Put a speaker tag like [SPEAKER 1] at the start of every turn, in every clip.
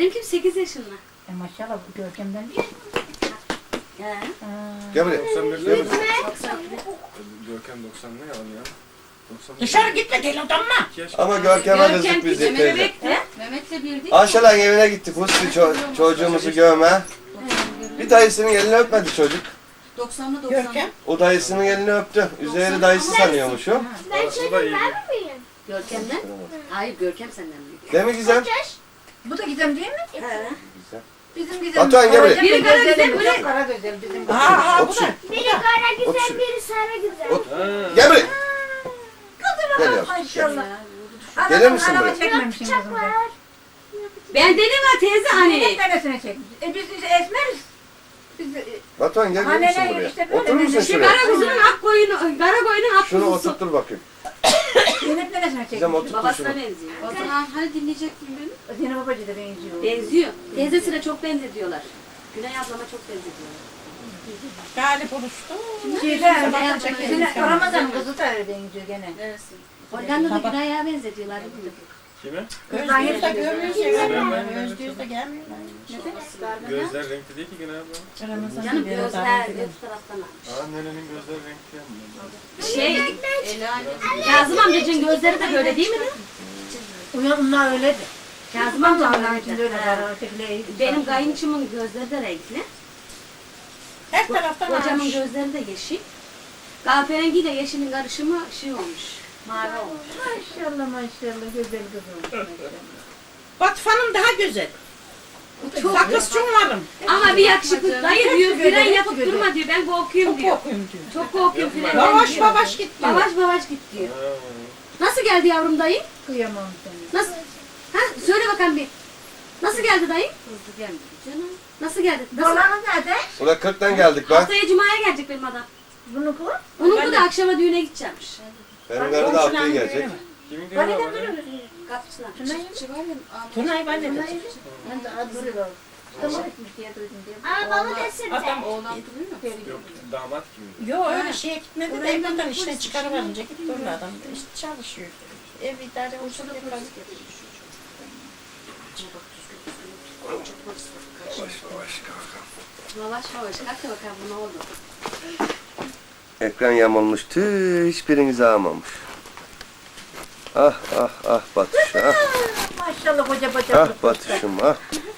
[SPEAKER 1] Benimki 8 yaşında.
[SPEAKER 2] Maşallah Görkem'den değil.
[SPEAKER 1] He.
[SPEAKER 3] Gel buraya.
[SPEAKER 4] 91
[SPEAKER 3] Gel
[SPEAKER 4] değil mi?
[SPEAKER 3] buraya.
[SPEAKER 4] Görkem 90 ne yalan ya? 90
[SPEAKER 5] Dışarı gitme gel odamma.
[SPEAKER 4] 2 yaş.
[SPEAKER 3] Ama Görkem'e
[SPEAKER 1] Görkem
[SPEAKER 3] kızdık biz
[SPEAKER 1] küçük,
[SPEAKER 3] teyze.
[SPEAKER 1] bebekti. Mehmet'le birdik.
[SPEAKER 3] Ayşe'nin evine gittik. Musti çocuğumuzu görme. Bir dayısının elini öpmedi çocuk.
[SPEAKER 1] 90'lı 90'lı.
[SPEAKER 5] Görkem.
[SPEAKER 3] O dayısının elini öptü. Üzeri dayısı sanıyormuş o.
[SPEAKER 6] Ben
[SPEAKER 4] Orası da
[SPEAKER 6] çocuğum
[SPEAKER 4] iyi.
[SPEAKER 6] ben mi büyüğüm?
[SPEAKER 1] Görkem'den? Hayır Görkem senden büyük.
[SPEAKER 3] Değil mi Gizem?
[SPEAKER 2] Bu da Gizem değil mi?
[SPEAKER 1] He.
[SPEAKER 2] Bizim Gizem.
[SPEAKER 3] Batuhan gel buraya.
[SPEAKER 1] Biri kara güzel, biri
[SPEAKER 2] Kara güzel bizim.
[SPEAKER 5] Ha ha bu
[SPEAKER 3] Otur.
[SPEAKER 5] da.
[SPEAKER 6] Biri kara
[SPEAKER 3] Otur
[SPEAKER 6] güzel
[SPEAKER 3] şuraya.
[SPEAKER 6] biri sarı güzel.
[SPEAKER 3] Otur.
[SPEAKER 4] Ha.
[SPEAKER 3] Gel buraya.
[SPEAKER 2] Kızım
[SPEAKER 3] Gel
[SPEAKER 2] ama
[SPEAKER 3] yavrum,
[SPEAKER 2] maşallah.
[SPEAKER 3] Gelir
[SPEAKER 2] Adamın
[SPEAKER 3] misin
[SPEAKER 2] araba
[SPEAKER 3] buraya?
[SPEAKER 2] çekmemişsin kızım.
[SPEAKER 6] Bıçak var.
[SPEAKER 1] Ben dedim ha teyze hani.
[SPEAKER 2] Hep neresine çekmiş? Biz esmeriz. Biz
[SPEAKER 3] Batuhan gel gelir misin
[SPEAKER 2] Anneler
[SPEAKER 3] buraya?
[SPEAKER 2] işte böyle
[SPEAKER 3] Oturur musun
[SPEAKER 2] dedi.
[SPEAKER 1] Şu
[SPEAKER 3] şuraya?
[SPEAKER 1] kara kuzunun ak koyunu, kara koyunun ak
[SPEAKER 3] Şunu
[SPEAKER 1] kuzusu.
[SPEAKER 3] oturtur bakayım.
[SPEAKER 2] Zeynep neresine
[SPEAKER 3] Gizem
[SPEAKER 2] çekmiş?
[SPEAKER 3] oturtur şunu.
[SPEAKER 1] Babasına benziyor.
[SPEAKER 7] O zaman hani dinleyecektin beni?
[SPEAKER 2] Zeynep babacı da benziyor.
[SPEAKER 1] Benziyor. Teyzesine çok benzediyorlar. Güney ablama çok benzediyorlar.
[SPEAKER 5] Galip oluştu.
[SPEAKER 2] Şeyde Ramazan kızı da öyle benziyor gene.
[SPEAKER 7] Neresi?
[SPEAKER 1] Hollanda'da Güney'e benzediyorlar.
[SPEAKER 4] Kime?
[SPEAKER 5] Özgür de görmüyor. Özgür de gelmiyor.
[SPEAKER 4] Gözler renkli değil ki gene abla.
[SPEAKER 1] Canım gözler öbür taraftan almış.
[SPEAKER 4] Aa nenenin gözleri renkli yani.
[SPEAKER 1] Şey,
[SPEAKER 7] Ela
[SPEAKER 1] Kazım amcacığın gözleri de böyle değil mi?
[SPEAKER 2] Onlar öyledir.
[SPEAKER 1] Kazım amcam
[SPEAKER 2] Onlar
[SPEAKER 1] öyle.
[SPEAKER 2] için de öyle
[SPEAKER 1] Ha.
[SPEAKER 2] var. Ötekileri
[SPEAKER 1] Benim kayınçımın gözleri de renkli.
[SPEAKER 5] Her taraftan
[SPEAKER 1] Kocamın
[SPEAKER 5] almış.
[SPEAKER 1] gözleri de yeşil. Kahverengi ile yeşilin karışımı şey olmuş. Mavi olmuş.
[SPEAKER 2] Maşallah güzel kızım.
[SPEAKER 5] Batfanım daha güzel. Sakız çumalım.
[SPEAKER 1] Ama bir yakışıklı dayı diyor,
[SPEAKER 2] Göze,
[SPEAKER 1] fren yapıp
[SPEAKER 2] göze.
[SPEAKER 1] durma diyor. Ben korkuyorum diyor.
[SPEAKER 5] Korkuyum diyor.
[SPEAKER 1] Çok korkuyorum frenden
[SPEAKER 5] Yavaş
[SPEAKER 1] diyor.
[SPEAKER 5] yavaş git diyor.
[SPEAKER 1] Yavaş yavaş git diyor. Nasıl geldi yavrum dayı?
[SPEAKER 2] Kıyamam seni.
[SPEAKER 1] Nasıl? Ha söyle bakalım bir. Nasıl geldi dayı?
[SPEAKER 7] hızlı gelmedi canım.
[SPEAKER 1] Nasıl geldi? Nasıl?
[SPEAKER 2] Dolanın nerede?
[SPEAKER 3] Ula 40'tan geldik bak.
[SPEAKER 1] Haftaya Cuma'ya gelecek benim adam.
[SPEAKER 2] Bunu kıl.
[SPEAKER 1] Onun da akşama düğüne gidecekmiş.
[SPEAKER 3] Benim karı da haftaya gelecek.
[SPEAKER 4] Kimin düğünü
[SPEAKER 2] Bana
[SPEAKER 4] var
[SPEAKER 2] da
[SPEAKER 4] baba?
[SPEAKER 2] duruyor.
[SPEAKER 1] Kapısına.
[SPEAKER 7] Çiftçi var ya. Ahmet
[SPEAKER 5] Tunay ben de
[SPEAKER 2] Ben de adı var. Tamam etmiş diye duydum diye.
[SPEAKER 6] Arabalı desene.
[SPEAKER 5] Adam
[SPEAKER 7] oğlan duruyor mu?
[SPEAKER 4] Yok damat kim?
[SPEAKER 5] Yo öyle şeye gitmedi de evden işten çıkarıverince gitti orada adam. İşte çalışıyor. Ev idare olsun yapar.
[SPEAKER 1] Yavaş yavaş kalk da bakalım bu ne oldu.
[SPEAKER 3] Ekran yamulmuş. Tüh hiçbirinizi almamış. Ah ah ah Batış ah.
[SPEAKER 2] Maşallah koca koca.
[SPEAKER 3] Ah Batış'ım ah.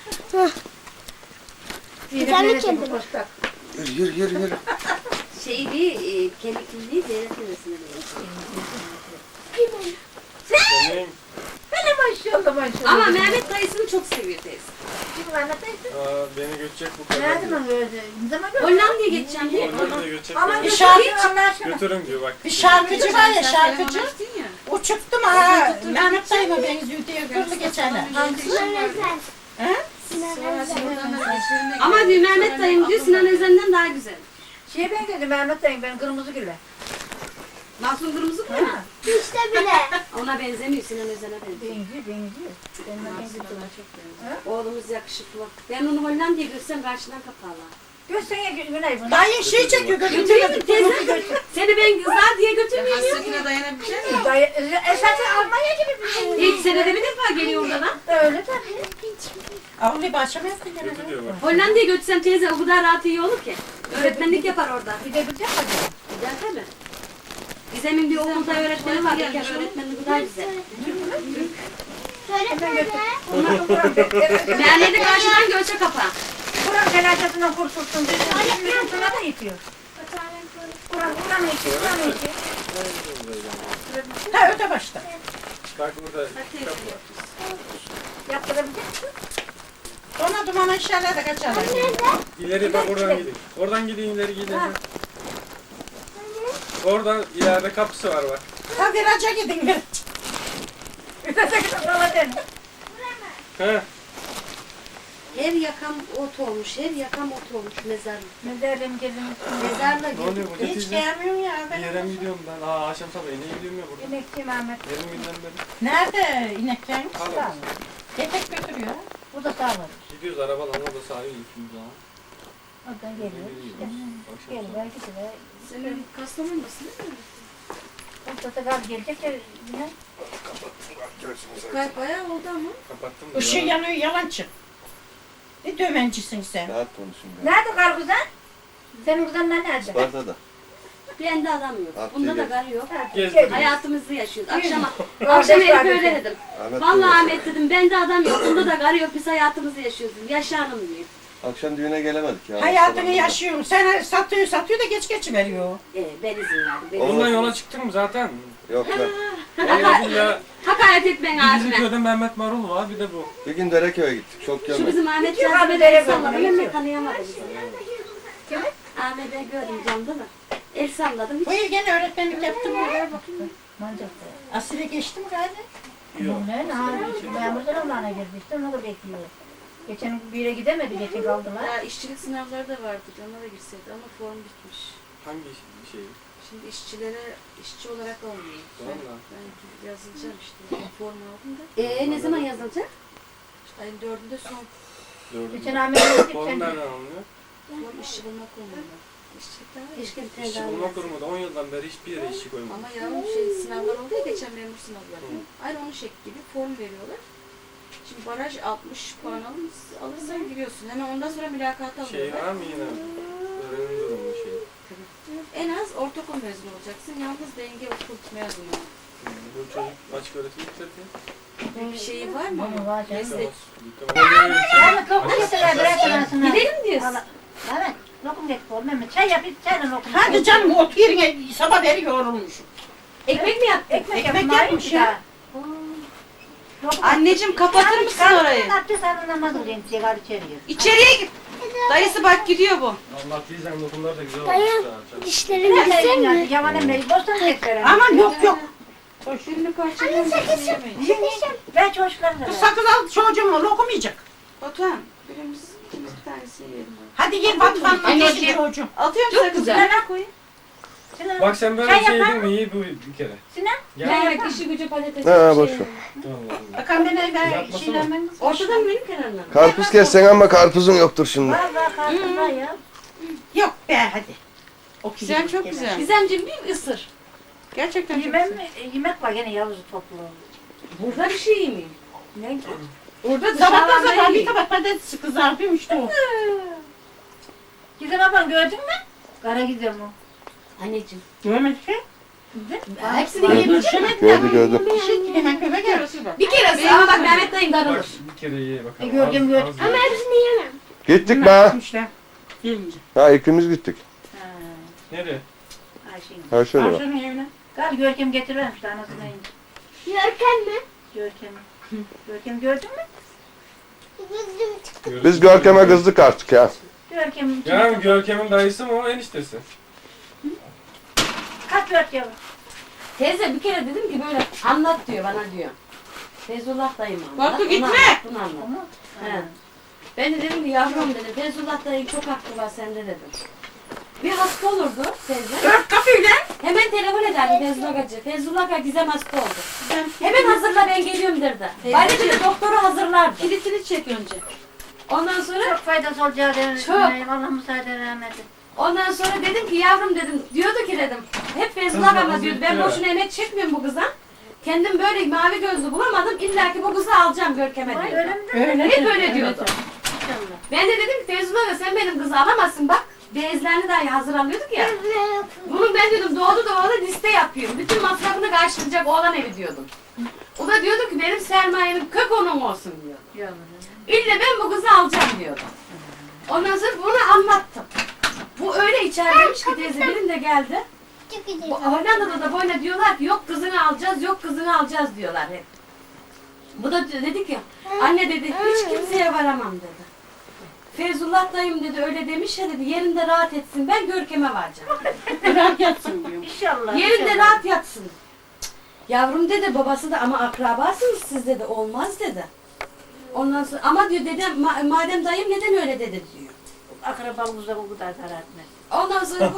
[SPEAKER 6] Güzel mi kendine?
[SPEAKER 3] Yürü yürü yürü.
[SPEAKER 1] Şeyli, kemikliliği devlet neresine
[SPEAKER 4] Benim.
[SPEAKER 2] Maşallah.
[SPEAKER 1] Ama Mehmet dayısını çok seviyor teyze.
[SPEAKER 2] Kim var ne teyze?
[SPEAKER 4] Aa beni götecek bu kadar.
[SPEAKER 2] Nerede mi böyle? Ne zaman gördün?
[SPEAKER 1] Hollanda'ya geçeceğim diye.
[SPEAKER 4] Hollanda'ya götecek
[SPEAKER 2] Ama
[SPEAKER 4] beni.
[SPEAKER 2] bir
[SPEAKER 5] Bir
[SPEAKER 2] şarkı
[SPEAKER 5] şarkı-
[SPEAKER 2] Allah aşkına.
[SPEAKER 4] Götürün diyor bak.
[SPEAKER 5] Bir şarkıcı var ya şarkıcı.
[SPEAKER 7] Telefon açtın ya.
[SPEAKER 5] Uçuktum ha. Mehmet dayıma benziyor diye kırdı geçenler.
[SPEAKER 6] Sinan Özen.
[SPEAKER 5] He?
[SPEAKER 6] Sinan
[SPEAKER 7] Sonra
[SPEAKER 6] Özen.
[SPEAKER 7] buradan mesajlarına
[SPEAKER 1] Ama diyor Mehmet dayım diyor Sinan Özen'den daha güzel.
[SPEAKER 2] Şeye benziyordu Mehmet dayım ben kırmızı gülle.
[SPEAKER 1] Mahsun Kırmızı mı?
[SPEAKER 6] İşte bile.
[SPEAKER 1] Ona benzemiyor Sinan Özen'e benziyor.
[SPEAKER 2] Benziyor. Benimle benziyor.
[SPEAKER 1] Oğlumuz yakışıklı. Ben onu Hollanda'ya görsem karşıdan kaparlar.
[SPEAKER 2] Görsene Güney bunu.
[SPEAKER 5] Dayı şey çekiyor
[SPEAKER 1] Götüreyim mi teyze? Seni ben kızlar diye götürmeyeyim.
[SPEAKER 7] Hasretine dayanabilecek misin?
[SPEAKER 2] Dayı, esasen Almanya gibi bir şey.
[SPEAKER 1] İlk senede bir defa geliyor oradan.
[SPEAKER 2] Öyle tabii.
[SPEAKER 5] Avlu bahçeme yaptı gene.
[SPEAKER 4] Götür diyor bak.
[SPEAKER 1] Hollanda'ya götürsem teyze o kadar rahat iyi olur ki. Öğretmenlik yapar orada.
[SPEAKER 2] Bir de bir de hadi.
[SPEAKER 1] Güzel değil mi? Gizem'in bir okulda öğretmeni var. İlker öğretmenliği daha güzel.
[SPEAKER 6] Söyle söyle.
[SPEAKER 1] Meğerleri karşıdan göçe kapa.
[SPEAKER 2] Kur'an felaketlerinden kurtulsun. Bizim sana da itiyor. Kur'an itiyor. Kur'an itiyor.
[SPEAKER 5] Ha öte başta.
[SPEAKER 4] Bak burada.
[SPEAKER 2] Yaptırabilecek misin?
[SPEAKER 5] Ona duman eşyalar da kaçarlar.
[SPEAKER 4] İleri bak oradan gidin. Oradan gidin ileri gidin. Oradan ileride kapısı var bak.
[SPEAKER 5] Ha viraja gidin bir.
[SPEAKER 2] Ötesi sana den.
[SPEAKER 4] He.
[SPEAKER 1] Her yakam ot olmuş, her yakam ot olmuş mezarlık.
[SPEAKER 2] Ne derim gezimiz.
[SPEAKER 1] Mezarla
[SPEAKER 4] Ne oluyor burada
[SPEAKER 5] Hiç
[SPEAKER 4] teyze?
[SPEAKER 5] gelmiyorum ya
[SPEAKER 4] Bir
[SPEAKER 5] ben.
[SPEAKER 4] yere mi gidiyorum ben? Aa akşam sabah yine gidiyorum ya burada.
[SPEAKER 2] Emekçiyim Ahmet.
[SPEAKER 4] Yarım günden beri.
[SPEAKER 5] Nerede ineklerimiz?
[SPEAKER 4] Hala.
[SPEAKER 5] Yetek götürüyor.
[SPEAKER 2] Bu da sağlar.
[SPEAKER 4] Gidiyoruz arabalarla da sahil gidiyoruz ha.
[SPEAKER 2] Oradan geliyor. İşte.
[SPEAKER 4] Akşam
[SPEAKER 2] Gel
[SPEAKER 4] sabah.
[SPEAKER 2] belki de.
[SPEAKER 7] Senin Kastamonu'dasın değil mi?
[SPEAKER 2] Orada da gaz gelecek ya yine.
[SPEAKER 7] Bayağı oldu ama.
[SPEAKER 4] Kapattım.
[SPEAKER 5] Işığı
[SPEAKER 4] ya.
[SPEAKER 5] yanıyor yalancı. Ne dömencisin sen?
[SPEAKER 3] Rahat konuşun ben.
[SPEAKER 2] Nerede kar kuzan? Senin kuzanlar nerede?
[SPEAKER 3] Sparta'da.
[SPEAKER 1] bende adam yok.
[SPEAKER 3] Haftaya
[SPEAKER 1] Bunda da
[SPEAKER 3] gel.
[SPEAKER 1] gar yok.
[SPEAKER 4] Gezdik.
[SPEAKER 1] Hayatımızı yaşıyoruz. Akşam
[SPEAKER 2] Kardeş
[SPEAKER 1] Elif'e
[SPEAKER 2] kardeşim.
[SPEAKER 1] öyle dedim.
[SPEAKER 3] Ahmet
[SPEAKER 1] Vallahi
[SPEAKER 3] diyor.
[SPEAKER 1] Ahmet dedim bende adam yok. Bunda da gar yok. Biz hayatımızı yaşıyoruz. Yaşa hanım diyor.
[SPEAKER 3] Akşam düğüne gelemedik ya.
[SPEAKER 5] Hayatını
[SPEAKER 3] Sabah-
[SPEAKER 5] yaşıyorum. Sen satıyor da geç veriyor.
[SPEAKER 1] Ben izin verdim. Ben
[SPEAKER 3] Olmaz.
[SPEAKER 4] Bundan yola çıktın mı zaten?
[SPEAKER 3] Yok lan.
[SPEAKER 4] Vallahi billahi.
[SPEAKER 1] Hakaret etmeyin
[SPEAKER 4] Bir bizim
[SPEAKER 1] abime.
[SPEAKER 4] köyde Mehmet Marul var bir de bu.
[SPEAKER 3] Bir gün Dereköy'e gittik. Çok
[SPEAKER 1] Şu
[SPEAKER 3] görmedik.
[SPEAKER 1] bizim Ahmet
[SPEAKER 2] Geçiyor
[SPEAKER 1] yazdı
[SPEAKER 2] abi,
[SPEAKER 1] beni
[SPEAKER 2] nereye
[SPEAKER 1] salladı.
[SPEAKER 2] gördün?
[SPEAKER 1] Ben de tanıyamadım.
[SPEAKER 2] Kimi?
[SPEAKER 1] Ahmet'i gördüm camda da. El salladım. Hiç
[SPEAKER 5] Bu yıl gene öğretmenlik yaptım mı?
[SPEAKER 2] Mancak.
[SPEAKER 5] Asile geçtim galiba.
[SPEAKER 4] Yok.
[SPEAKER 2] Ne? Memurlar olana girdi işte onu da bekliyor. Geçen bir yere gidemedi, geçen kaldılar.
[SPEAKER 7] Ya işçilik sınavları da vardı. Ona da girseydi ama form bitmiş.
[SPEAKER 4] Hangi şey?
[SPEAKER 7] Şimdi işçilere işçi olarak olmuyor.
[SPEAKER 4] Valla.
[SPEAKER 7] Ben yazılacağım işte. Form aldım da.
[SPEAKER 1] ne zaman yazılacak?
[SPEAKER 7] İşte ayın 4'ünde son
[SPEAKER 2] Geçen Ahmet'e gittik.
[SPEAKER 4] Form nereden alınıyor?
[SPEAKER 7] form işçi bulma kurumunda. İşçilik daha var.
[SPEAKER 1] Keşke bir tane
[SPEAKER 4] İşçi
[SPEAKER 1] daha
[SPEAKER 4] bulma
[SPEAKER 1] yazsın.
[SPEAKER 4] kurumu da 10 yıldan beri hiçbir yere işçi koymadı.
[SPEAKER 7] Ama yavrum şey sınavlar oldu ya geçen memur sınavları. Aynı onun şekli gibi form veriyorlar. Şimdi baraj 60 puan alırsan giriyorsun. Hemen ondan sonra mülakata
[SPEAKER 4] Şey
[SPEAKER 7] alıyorlar.
[SPEAKER 4] var mı yine? Öğrenim durumu şey.
[SPEAKER 7] En az ortaokul mezunu olacaksın. Yalnız denge okul mezunu.
[SPEAKER 4] Bu çocuk açık öğretim bitirdi.
[SPEAKER 7] Bir şeyi var mı?
[SPEAKER 2] Ama var canım.
[SPEAKER 7] Meslek.
[SPEAKER 2] Ahmet lokum getirler birer tanesini.
[SPEAKER 1] Gidelim diyorsun.
[SPEAKER 2] Evet. Lokum getir oğlum. Mehmet çay yap, çayla lokum.
[SPEAKER 5] Hadi canım otur yerine sabah beri yorulmuşum.
[SPEAKER 1] Ekmek mi yaptın?
[SPEAKER 2] Ekmek
[SPEAKER 5] Ekmek
[SPEAKER 2] yapın,
[SPEAKER 5] yapmış
[SPEAKER 2] ya.
[SPEAKER 5] ya.
[SPEAKER 7] Anneciğim kapatır mısın orayı?
[SPEAKER 2] Abdest alın namaz kılayım diye var içeriye.
[SPEAKER 7] İçeriye git. Dayısı bak gidiyor bu.
[SPEAKER 4] Allah diyeceğim dokunlar da güzel
[SPEAKER 6] Dayı.
[SPEAKER 4] olmuş. ha.
[SPEAKER 6] Dişlerim güzel mi?
[SPEAKER 2] Yaman Emre'yi bostan beklerim.
[SPEAKER 5] Aman yok.
[SPEAKER 7] Birini parçalayalım.
[SPEAKER 2] Ben çocuklarım da.
[SPEAKER 5] Kız sakız al çocuğumu lokum yiyecek.
[SPEAKER 7] Batuhan, ikimiz bir tanesini yiyelim.
[SPEAKER 5] Hadi gel Batuhan'la
[SPEAKER 7] Anneciğim.
[SPEAKER 5] çocuğum.
[SPEAKER 7] Atıyorum
[SPEAKER 1] Çok
[SPEAKER 7] sakızı.
[SPEAKER 1] güzel.
[SPEAKER 7] Nereye koyayım?
[SPEAKER 2] Sinan,
[SPEAKER 4] Bak sen böyle
[SPEAKER 2] Çay
[SPEAKER 4] bir şey
[SPEAKER 2] yapar
[SPEAKER 4] yedin mi iyi bu bir kere.
[SPEAKER 2] Sinan.
[SPEAKER 4] Gel.
[SPEAKER 1] Yemek, işi gücü patates.
[SPEAKER 3] Ha,
[SPEAKER 1] bir
[SPEAKER 3] boş
[SPEAKER 1] şey.
[SPEAKER 3] ver.
[SPEAKER 4] Allah Allah.
[SPEAKER 5] Bakan beni
[SPEAKER 4] Yapmasana.
[SPEAKER 5] şeyle ben...
[SPEAKER 1] Ortada mı benim kenarına mı?
[SPEAKER 3] Karpuz kessen ama karpuzun yoktur şimdi.
[SPEAKER 2] Var kartım var ya.
[SPEAKER 5] Yok be hadi. O
[SPEAKER 7] Güzel, çok güzel.
[SPEAKER 1] Gizemciğim bir ısır.
[SPEAKER 7] Gerçekten çok
[SPEAKER 2] Yemem,
[SPEAKER 7] güzel.
[SPEAKER 2] yemek var gene Yavuz'u toplu.
[SPEAKER 1] Burada bir şey yemeyeyim.
[SPEAKER 2] Ne?
[SPEAKER 1] Orada
[SPEAKER 5] Sabahtan
[SPEAKER 1] dışarıdan
[SPEAKER 5] sabah bir
[SPEAKER 1] yiyeyim.
[SPEAKER 5] tabak patates kızartayım işte o.
[SPEAKER 2] Gizem ablam gördün mü? Kara Gizem o.
[SPEAKER 1] Anneciğim.
[SPEAKER 5] Görmedik ki.
[SPEAKER 1] Hepsini yiyebilecek misin?
[SPEAKER 3] Gördü.
[SPEAKER 5] Şey, hemen köpe gel.
[SPEAKER 1] Bir kere ama bak Mehmet dayım
[SPEAKER 4] Bak
[SPEAKER 1] darılır.
[SPEAKER 4] bir kere ye bakalım.
[SPEAKER 2] Gördüm, gördüm.
[SPEAKER 4] Az- az
[SPEAKER 6] Ama
[SPEAKER 4] ye.
[SPEAKER 6] hepsini yemem.
[SPEAKER 3] Gittik be.
[SPEAKER 5] İşte. Gelince.
[SPEAKER 3] Ha ikimiz gittik.
[SPEAKER 2] Ha,
[SPEAKER 4] Nereye?
[SPEAKER 2] Ayşe'nin.
[SPEAKER 3] Ha şöyle bak.
[SPEAKER 5] Arşanın evine.
[SPEAKER 2] Gal Görkem getirivermiş anasına ince.
[SPEAKER 6] Görken mi?
[SPEAKER 2] Görkem'i. Görkem gördün mü?
[SPEAKER 6] Gözüm çıktı.
[SPEAKER 3] Biz Görkem'e kızdık artık ya.
[SPEAKER 2] Görkem'in içine
[SPEAKER 4] Yani Görkem'in dayısı mı o eniştesi?
[SPEAKER 2] kaç Görkem?
[SPEAKER 1] Teyze bir kere dedim ki böyle anlat diyor bana diyor. Feyzullah dayım anlat.
[SPEAKER 5] Batu,
[SPEAKER 1] onu
[SPEAKER 5] gitme.
[SPEAKER 1] anlat, bunu anlat.
[SPEAKER 2] Ama
[SPEAKER 1] He. Ben de dedim ki yavrum dedim Feyzullah dayım çok haklı var sende dedim. Bir hasta olurdu teyze.
[SPEAKER 5] Ört kapıyla.
[SPEAKER 1] Hemen telefon ederdi Feyzullah Hacı. Feyzullah Hacı Gizem hasta oldu. Hemen hazırla ben geliyorum derdi. Bana bir doktoru hazırlardı.
[SPEAKER 7] Kilitini çek önce.
[SPEAKER 1] Ondan sonra
[SPEAKER 2] çok faydası olacağı dedim.
[SPEAKER 1] Çok.
[SPEAKER 2] Allah müsaade rahmeti.
[SPEAKER 1] Ondan sonra dedim ki yavrum dedim diyordu ki dedim hep Feyzullah ama diyordu ben boşuna emek çekmiyorum bu kıza. Kendim böyle mavi gözlü bulamadım illa ki bu kızı alacağım Görkem'e
[SPEAKER 2] Vay
[SPEAKER 1] diyordu.
[SPEAKER 2] öyle mi?
[SPEAKER 1] Hep öyle diyordu.
[SPEAKER 2] İnşallah.
[SPEAKER 1] Ben de dedim ki Feyzullah da sen benim kızı alamazsın bak. Bezlerini dahi hazır alıyorduk ya. Bunun ben diyordum doğdu liste yapıyorum. Bütün masrafını karşılayacak oğlan evi diyordum. O da diyordu ki benim sermayemin kök onun olsun diyordu.
[SPEAKER 2] Yavrum.
[SPEAKER 1] İlle ben bu kızı alacağım diyordu. Ondan sonra bunu anlattım. Bu öyle içerideymiş ki teyze benim de geldi.
[SPEAKER 6] Çok güzel.
[SPEAKER 1] Bu Hollanda'da da böyle diyorlar ki yok kızını alacağız, yok kızını alacağız diyorlar hep. Bu da dedi ki anne dedi hiç kimseye varamam dedi. Feyzullah dayım dedi öyle demiş ya dedi yerinde rahat etsin ben Görkem'e varacağım.
[SPEAKER 5] Bırak yatsın diyor.
[SPEAKER 2] İnşallah.
[SPEAKER 1] Yerinde
[SPEAKER 2] inşallah.
[SPEAKER 1] rahat yatsın. Cık, yavrum dedi babası da ama akrabasınız siz dedi olmaz dedi. Ondan sonra ama diyor dedem madem dayım neden öyle dedi diyor.
[SPEAKER 2] Akrabalığımızda bu kadar zarar etmez.
[SPEAKER 1] Ondan sonra bu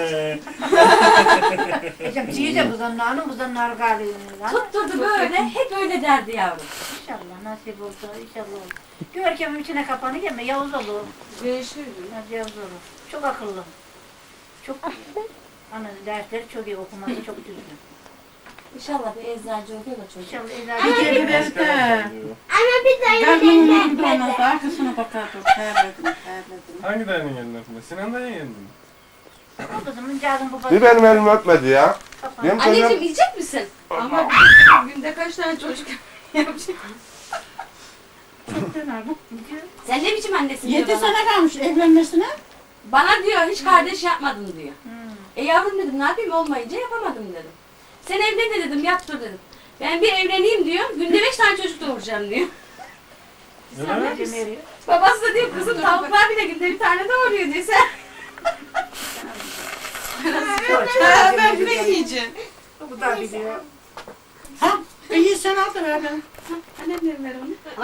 [SPEAKER 2] Ecem teyze buzdan nar galiba.
[SPEAKER 1] tutturdu böyle hep öyle derdi yavrum.
[SPEAKER 2] İnşallah nasip olsa inşallah olur. Görkem'in içine kapanı yeme Yavuz olur.
[SPEAKER 7] Görüşürüz.
[SPEAKER 2] Nasıl Yavuz olur. Çok akıllı. Çok ana dersleri çok iyi okuması çok düzgün.
[SPEAKER 1] İnşallah bir eczacı oluyor da çocuk.
[SPEAKER 2] İnşallah
[SPEAKER 5] Bir
[SPEAKER 2] eczacı.
[SPEAKER 5] kere ben de.
[SPEAKER 6] Ama bir dayı
[SPEAKER 5] Karnımın
[SPEAKER 6] geldi.
[SPEAKER 5] önünde olmazdı. Arkasına bakardım. Terledim.
[SPEAKER 4] Hangi dayının yerinde öpme? Sinan dayının yerinde mi?
[SPEAKER 2] O kızımın cazın babası.
[SPEAKER 3] Bir benim elimi öpmedi ya. Benim
[SPEAKER 1] Anneciğim
[SPEAKER 3] kızım
[SPEAKER 1] yiyecek misin?
[SPEAKER 7] Ama günde kaç tane çocuk yapacak?
[SPEAKER 1] Sen ne biçim annesin diyor
[SPEAKER 5] 7
[SPEAKER 1] bana.
[SPEAKER 5] sene kalmış evlenmesine.
[SPEAKER 1] Bana diyor hiç kardeş yapmadın diyor.
[SPEAKER 2] Hmm.
[SPEAKER 1] Yavrum dedim ne yapayım olmayınca yapamadım dedim. Sen evlen de dedim yap dur dedim. Ben bir evleneyim diyor. Günde 5 tane çocuk doğuracağım diyor.
[SPEAKER 4] Öyle mi?
[SPEAKER 2] Ecem eriyor.
[SPEAKER 1] Babası da diyor kızım tavuklar bile günde bir tane doğuruyor diyor sen.
[SPEAKER 5] Ha, ben ne yiyeceğim?
[SPEAKER 2] Bu da biliyor.
[SPEAKER 5] Ha? İyi sen al da ver ben.
[SPEAKER 7] Annemlerim ver onu.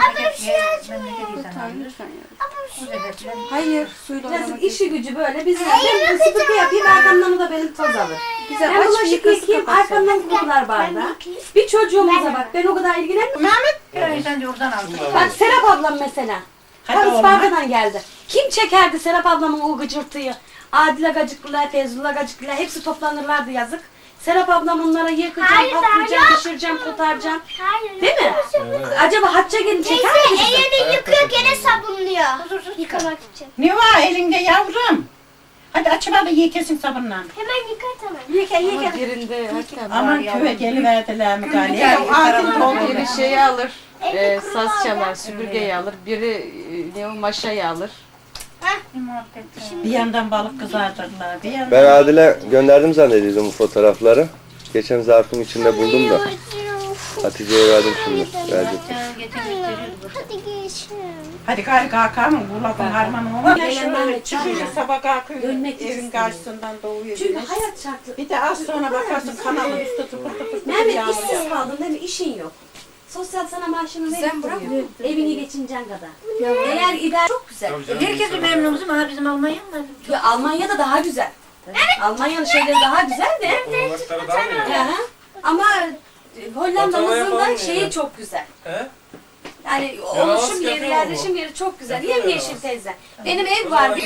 [SPEAKER 2] Hayır.
[SPEAKER 7] Suyla
[SPEAKER 1] Yazık
[SPEAKER 7] oynamak
[SPEAKER 1] işi gücü böyle. Biz ben sıkıntı yapayım arkamdan o da benim toz alır.
[SPEAKER 7] Güzel
[SPEAKER 1] Ben
[SPEAKER 7] aç
[SPEAKER 1] bulaşık
[SPEAKER 7] yıkası
[SPEAKER 1] yıkayayım
[SPEAKER 7] kapat.
[SPEAKER 1] arkamdan kokular bardağı. Bir çocuğumuza bak ben o kadar ilgilenmiyorum.
[SPEAKER 5] Mehmet.
[SPEAKER 2] Sen de oradan aldın.
[SPEAKER 1] Bak Serap ablam mesela.
[SPEAKER 5] Hadi
[SPEAKER 1] Tam
[SPEAKER 5] oğlum,
[SPEAKER 1] Isparta'dan geldi. Kim çekerdi Serap ablamın o gıcırtıyı? Adile gacıklılar, Feyzullah gacıklılar hepsi toplanırlardı yazık. Serap ablam onlara yıkacağım,
[SPEAKER 6] Hayır,
[SPEAKER 1] patlayacağım,
[SPEAKER 6] hayır.
[SPEAKER 1] pişireceğim, kotaracağım.
[SPEAKER 6] Hayır.
[SPEAKER 1] Değil mi? Acaba Hatice gelin çeker mi
[SPEAKER 6] Teyze
[SPEAKER 1] bizi?
[SPEAKER 6] elini yıkıyor gene sabunluyor. Yıkamak için.
[SPEAKER 5] Ne var elinde yavrum? Hadi açıp da ye kesin sabunla.
[SPEAKER 6] Hemen yıkat hemen.
[SPEAKER 2] Yıka.
[SPEAKER 7] Birinde hatta
[SPEAKER 5] Aman köye geliverdiler mi galiba?
[SPEAKER 7] biri şeyi alır.
[SPEAKER 6] Evde
[SPEAKER 7] Saz
[SPEAKER 6] kurulu
[SPEAKER 7] çalar,
[SPEAKER 6] var.
[SPEAKER 7] süpürgeyi alır. Biri ne o maşayı alır.
[SPEAKER 5] Bir yandan balık kızartırlar, bir yandan...
[SPEAKER 3] Ben Adil'e gönderdim zannediyordum bu fotoğrafları. Geçen zarfın içinde buldum da. Hatice'ye verdim şimdi. Verdim.
[SPEAKER 6] Hadi geçin.
[SPEAKER 5] Hadi gari kalkalım, bu lafın harmanı olan.
[SPEAKER 1] Ben
[SPEAKER 5] Şöyle
[SPEAKER 1] Mehmet
[SPEAKER 5] çıkıyor,
[SPEAKER 1] Can'la
[SPEAKER 5] sabah kalkıyor,
[SPEAKER 1] dönmek
[SPEAKER 5] evin
[SPEAKER 1] istiyorum.
[SPEAKER 5] karşısından doğuyor.
[SPEAKER 1] Çünkü
[SPEAKER 5] güneş.
[SPEAKER 1] hayat şartı.
[SPEAKER 5] Bir de az sonra bakarsın kanalın üstü tıpır tıpır
[SPEAKER 1] Mehmet
[SPEAKER 5] yağmur
[SPEAKER 1] işsiz
[SPEAKER 5] yağıyor.
[SPEAKER 1] kaldın değil mi? İşin yok. Sosyal sana maaşını
[SPEAKER 7] Sen
[SPEAKER 1] verip
[SPEAKER 7] bırak.
[SPEAKER 1] duruyor. Evini geçineceksin kadar. Eğer idare çok güzel.
[SPEAKER 2] Herkesi memnunuz ama bizim Almanya mı?
[SPEAKER 1] Ya Almanya'da daha güzel. Almanya'nın şeyleri daha güzel de.
[SPEAKER 4] Oğlakları daha mı iyi?
[SPEAKER 1] Aha. Ama Hollanda'mızın
[SPEAKER 4] Otomaya
[SPEAKER 1] da
[SPEAKER 4] falan
[SPEAKER 1] şeyi
[SPEAKER 4] yani.
[SPEAKER 1] çok güzel.
[SPEAKER 4] He?
[SPEAKER 1] Yani
[SPEAKER 4] Yaramaz
[SPEAKER 1] oluşum yeri,
[SPEAKER 4] yapıyor
[SPEAKER 1] yerleşim
[SPEAKER 4] mu?
[SPEAKER 1] yeri çok güzel.
[SPEAKER 4] Yapıyor
[SPEAKER 1] Yemyeşil
[SPEAKER 4] yaramaz.
[SPEAKER 1] teyze. Benim ev var.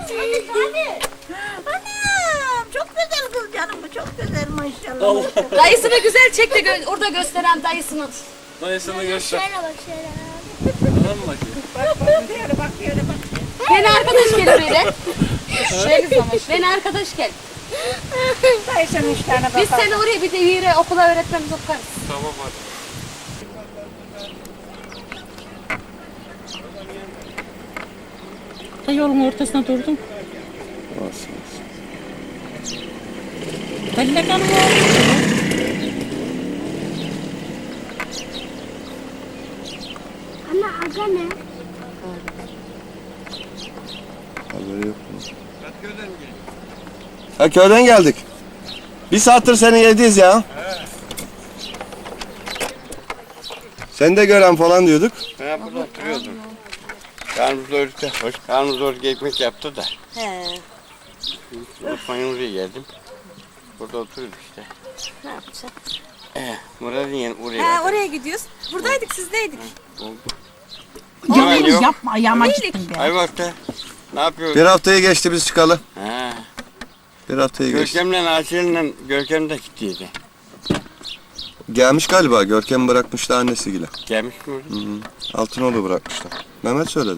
[SPEAKER 2] Anam çok güzel kız canım bu çok güzel maşallah.
[SPEAKER 1] Dayısını güzel çek de orada gösteren dayısını.
[SPEAKER 4] Dayısını göster.
[SPEAKER 6] Şöyle bak şöyle.
[SPEAKER 4] Bana mı bakıyor?
[SPEAKER 1] Beni arkadaş gel oraya. Beni arkadaş gel.
[SPEAKER 2] Dayısının 3 tane
[SPEAKER 1] Biz seni oraya bir de yere okula öğretmemiz okarız.
[SPEAKER 4] Tamam hadi.
[SPEAKER 5] Yolun ortasına durdum.
[SPEAKER 3] Olsun.
[SPEAKER 5] Belli kanım
[SPEAKER 6] Anne aga ne?
[SPEAKER 3] Haberi yok mu? Ha köyden geldik. Bir saattir seni yediyiz ya. Seni de gören falan diyorduk.
[SPEAKER 8] Ben burada oturuyordum. Karnımız doyurdu. Karnımız doyurdu ekmek yaptı da.
[SPEAKER 1] He.
[SPEAKER 8] Osmanlı'ya oraya geldim. Burada oturuyorduk işte.
[SPEAKER 1] Ne yapacağız?
[SPEAKER 8] Murat'ın yeni oraya
[SPEAKER 7] Ha
[SPEAKER 8] geldim.
[SPEAKER 7] oraya gidiyoruz. Buradaydık sizdeydik.
[SPEAKER 8] Yalan yok.
[SPEAKER 5] yapma ayağıma gittim be.
[SPEAKER 8] Ayvalık'ta. Ne yapıyorsun?
[SPEAKER 3] Bir haftayı geçti biz çıkalı.
[SPEAKER 8] Ha.
[SPEAKER 3] Bir haftayı geçti.
[SPEAKER 8] Görkem'le Asiye'yle Görkem de gittiydi.
[SPEAKER 3] Gelmiş galiba. Görkem bırakmıştı annesiyle.
[SPEAKER 8] Gelmiş mi orada?
[SPEAKER 3] Altınoğlu bırakmışlar. Mehmet söyledi.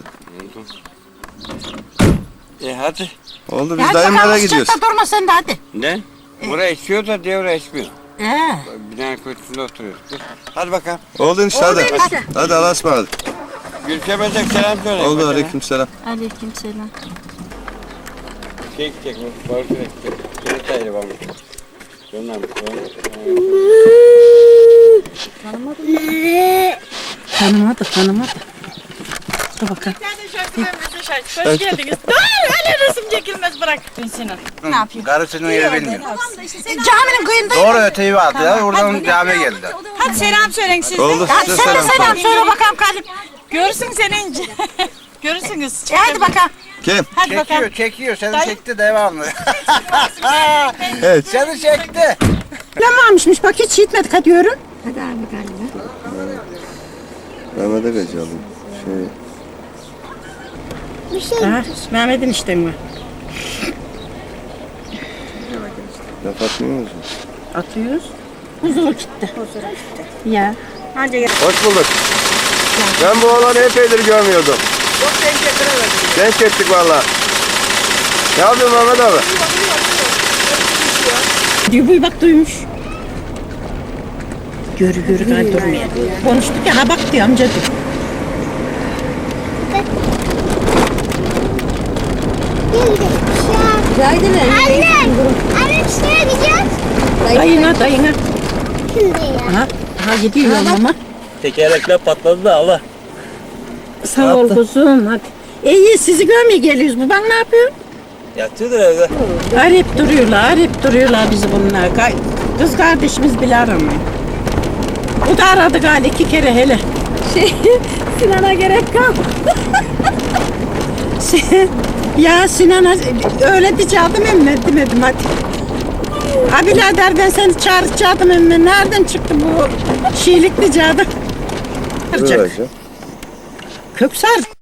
[SPEAKER 8] Hadi.
[SPEAKER 3] Oldu biz dayımlara gidiyoruz.
[SPEAKER 5] Durma sen de hadi.
[SPEAKER 8] Ne? Buraya esiyor da diğer oraya esmiyor.
[SPEAKER 5] Ee.
[SPEAKER 8] Bina köşesinde oturuyoruz. Hadi bakalım.
[SPEAKER 3] Oldu işte hadi. Hadi Allah'a ısmarladık.
[SPEAKER 8] Görkem'e de selam söyle.
[SPEAKER 3] Oldu
[SPEAKER 8] Bakalım.
[SPEAKER 3] aleykümselam.
[SPEAKER 2] Aleykümselam.
[SPEAKER 8] Şey gidecek, balık gidecek. Seni tayırı var mı? Dönmem.
[SPEAKER 5] Tanımadı. Dur bakalım.
[SPEAKER 3] Hoş geldiniz.
[SPEAKER 9] Karısının yeri bilmiyor.
[SPEAKER 5] Caminin kıyında.
[SPEAKER 9] Doğru öteyi vardı ya. Oradan camiye geldiler.
[SPEAKER 5] Hadi selam söyleyin siz.
[SPEAKER 3] Oldu size
[SPEAKER 5] Sen de
[SPEAKER 3] selam.
[SPEAKER 5] selam söyle bakalım Kalim. Görürsün senince. Görürsünüz. Hadi bakalım.
[SPEAKER 3] Kim?
[SPEAKER 5] Hadi bakalım.
[SPEAKER 9] Çekiyor. Seni çekti devamlı.
[SPEAKER 3] Evet.
[SPEAKER 9] Seni çekti.
[SPEAKER 5] Lamamışmış bak hiç gitmedik hadi yürü.
[SPEAKER 3] Mehmet'e kaçalım.
[SPEAKER 5] Mehmet'in işte mi?
[SPEAKER 3] Laf atmıyor musun?
[SPEAKER 5] Atıyoruz. Huzur gitti. Ya. Hadi
[SPEAKER 3] Hoş bulduk. Ben bu oğlanı epeydir görmüyordum.
[SPEAKER 9] Çok denk getiremedim.
[SPEAKER 3] Genç ettik valla. Ne yapıyorsun Mehmet abi?
[SPEAKER 5] diyor bu bak duymuş. Görü gayet durmuyor. Konuştuk ya ha bak diyor amca diyor.
[SPEAKER 6] Anne. Anne şuraya gideceğiz.
[SPEAKER 5] Dayına.
[SPEAKER 6] Şimdi ya.
[SPEAKER 5] Ha gidiyor ama.
[SPEAKER 4] Tekerlekler patladı da Allah.
[SPEAKER 5] Sağ ol kuzum hadi. İyi sizi görmeye geliyoruz. Bu bak ne yapıyor?
[SPEAKER 8] Yatıyordur evde.
[SPEAKER 5] Arayıp duruyorlar bizi bunlar. Kız kardeşimiz bile aramıyor. O da aradı galiba 2 kere hele. Sinan'a gerek kalmadı. Ya Sinan'a öyle diyecektim emme demedim hadi. Ha birader ben seni çağıracaktım emme. Nereden çıktı bu şiilik diyecektim.
[SPEAKER 3] Dur hocam.
[SPEAKER 5] Köksar